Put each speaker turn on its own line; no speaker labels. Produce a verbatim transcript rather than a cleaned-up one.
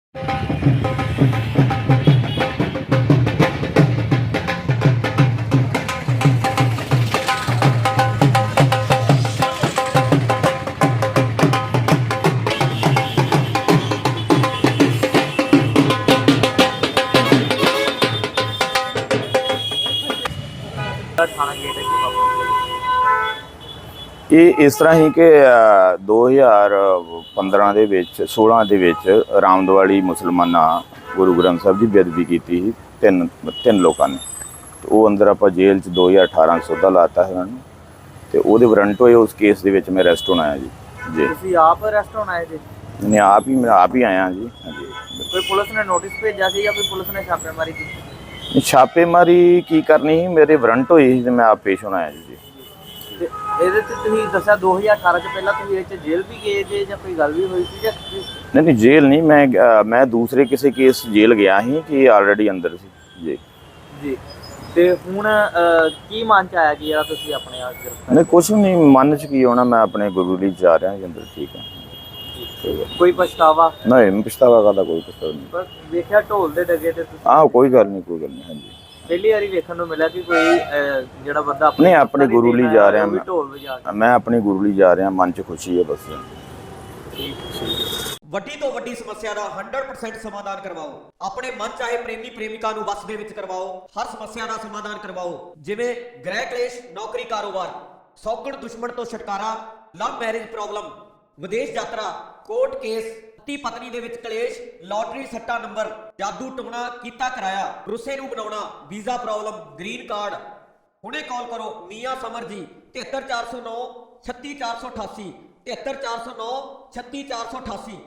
थाना गेट है कि
ਇਹ ਇਸ ਤਰ੍ਹਾਂ ਹੀ ਕਿ ਅ, ਦੋ ਹਜ਼ਾਰ ਪੰਦਰਾਂ ਦੇ ਵਿੱਚ ਸੋਲਾਂ ਦੇ ਵਿੱਚ ਰਾਮਦਵਾਲੀ ਮੁਸਲਮਾਨਾਂ ਗੁਰੂ ਗ੍ਰੰਥ ਸਾਹਿਬ ਦੀ ਬੇਅਦਬੀ ਕੀਤੀ ਸੀ ਤਿੰਨ ਤਿੰਨ ਲੋਕਾਂ ਨੇ। ਤੇ ਉਹ ਅੰਦਰ ਆਪਾਂ ਜੇਲ੍ਹ 'ਚ ਦੋ ਹਜ਼ਾਰ ਅਠਾਰਾਂ 'ਚ ਸੌਦਾ ਲਾਤਾ ਹੈ ਉਹਨਾਂ ਨੂੰ, ਤੇ ਉਹਦੇ ਵਾਰੰਟ ਹੋਏ ਉਸ ਕੇਸ ਦੇ ਵਿੱਚ ਮੈਂ ਅਰੈਸਟ ਹੋਣਾ ਆਇਆ ਜੀ। ਜੀ
ਤੁਸੀਂ ਆਪ ਅਰੈਸਟ ਹੋਣਾ ਹੈ ਜੀ?
ਮੈਂ ਆਪ ਹੀ ਮੈਂ ਆਪ ਹੀ ਆਇਆ ਜੀ। ਹਾਂਜੀ,
ਕੋਈ ਪੁਲਿਸ ਨੇ ਨੋਟਿਸ ਭੇਜਿਆ ਸੀ ਜਾਂ ਕੋਈ ਪੁਲਿਸ ਨੇ ਛਾਪੇਮਾਰੀ ਕੀਤੀ?
ਛਾਪੇਮਾਰੀ ਕੀ ਕਰਨੀ ਸੀ, ਮੇਰੇ ਵਾਰੰਟ ਹੋਏ ਸੀ ਤੇ ਮੈਂ ਆਪ ਪੇਸ਼ ਹੋਣਾ ਆਇਆ ਜੀ।
ਤੇ ਇਹਦੇ ਤੇ ਤੁਸੀਂ ਦੱਸਿਆ ਦੋ ਹਜ਼ਾਰ ਅਠਾਰਾਂ ਚ ਪਹਿਲਾਂ ਤੁਸੀਂ ਇਹ 'ਚ ਜੇਲ੍ਹ ਵੀ ਗਏ ਜੇ ਜਾਂ ਕੋਈ ਗੱਲ ਵੀ ਹੋਈ ਸੀ ਜਾਂ ਤੁਸੀਂ-
ਨਹੀਂ ਨਹੀਂ ਜੇਲ੍ਹ ਨਹੀਂ, ਮੈਂ ਅ, ਮੈਂ ਦੂਸਰੇ ਕਿਸੇ ਕੇਸ ਜੇਲ੍ਹ ਗਿਆ ਸੀ ਕਿ ਆਲਰੇਡੀ ਅੰਦਰ ਸੀ ਜੀ।
ਜੀ ਤੇ ਹੁਣ ਅਹ, ਕੀ ਮਨ ਚ ਆਇਆ ਕਿ ਯਾਰ ਤੁਸੀਂ ਆਪਣੇ ਆਪ ਗ੍ਰਿਫਤਾਰ
ਨਹੀਂ ਕੁਛ ਨਹੀਂ ਮਨ 'ਚ ਕੀ ਹੋਣਾ, ਮੈਂ ਆਪਣੇ ਗੁਰੂ ਲਈ ਜਾ ਰਿਹਾ ਜੀ ਅੰਦਰ। ਠੀਕ ਹੈ,
ਕੋਈ ਪਛਤਾਵਾ?
ਨਹੀਂ ਪਛਤਾਵਾ ਕਰਦਾ ਕੋਈ ਪਛਤਾਵਾ ਨਹੀਂ।
ਪਰ ਵੇਖਿਆ ਢੋਲ ਦੇ ਡਗੇ ਤੇ ਤੁਸੀਂ
ਆਹ ਕੋਈ ਗੱਲ ਨਹੀਂ, ਕੋਈ ਗੱਲ ਨਹੀਂ। ਹਾਂਜੀ
ਪਹਿਲੀ ਵਾਰੀ ਵੇਖਣ ਨੂੰ ਮਿਲਿਆ ਕਿ ਕੋਈ ਅਹ, ਜਿਹੜਾ ਬੰਦਾ ਆਪਣੇ
ਨਹੀਂ ਆਪਣੇ ਗੁਰੂ ਲਈ ਜਾ ਰਿਹਾ
ਉਹ ਵੀ
ਮੈਂ,
ਢੋਲ ਵਜਾ ਕੇ।
ਮੈਂ ਆਪਣੇ ਗੁਰੂ ਲਈ ਜਾ ਰਿਹਾ, ਮਨ 'ਚ ਖੁਸ਼ੀ ਹੈ ਬਸ।
ਵੱਡੀ ਤੋਂ ਵੱਡੀ ਸਮੱਸਿਆ ਦਾ ਸੌ ਪਰਸੈਂਟ ਸਮਾਧਾਨ ਕਰਵਾਓ। ਆਪਣੇ ਮਨ ਚਾਹੇ ਪ੍ਰੇਮੀ ਪ੍ਰੇਮਿਕਾ ਨੂੰ ਵਸ ਦੇ ਵਿੱਚ ਕਰਵਾਓ। ਹਰ ਸਮੱਸਿਆ ਦਾ ਸਮਾਧਾਨ ਕਰਵਾਓ, ਜਿਵੇਂ ਗ੍ਰਹਿ ਕਲੇਸ਼, ਨੌਕਰੀ, ਕਾਰੋਬਾਰ, ਸੌਗਣ ਦੁਸ਼ਮਣ ਤੋਂ ਛੁਟਕਾਰਾ, ਲਵ ਮੈਰਿਜ ਪ੍ਰੋਬਲਮ, ਵਿਦੇਸ਼ ਯਾਤਰਾ, ਕੋਰਟ ਕੇਸ, ਪਤੀ ਪਤਨੀ ਦੇ ਵਿੱਚ ਕਲੇਸ਼, ਲਾਟਰੀ ਸੱਟਾ ਨੰਬਰ, ਜਾਦੂ ਟੂਣਾ ਕੀਤਾ ਕਰਾਇਆ, ਰੁੱਸੇ ਨੂੰ ਬਣਾਉਣਾ, ਵੀਜ਼ਾ ਪ੍ਰੋਬਲਮ, ਗ੍ਰੀਨ ਕਾਰਡ। ਹੁਣੇ ਕਾਲ ਕਰੋ ਮੀਆਂ ਸਮਰ ਜੀ ਤਿਹੱਤਰ ਚਾਰ ਸੌ ਨੌ ਛੱਤੀ ਚਾਰ ਸੌ ਅਠਾਸੀ ਤਿਹੱਤਰ ਚਾਰ ਸੌ ਨੌ ਛੱਤੀ ਚਾਰ ਸੌ ਅਠਾਸੀ।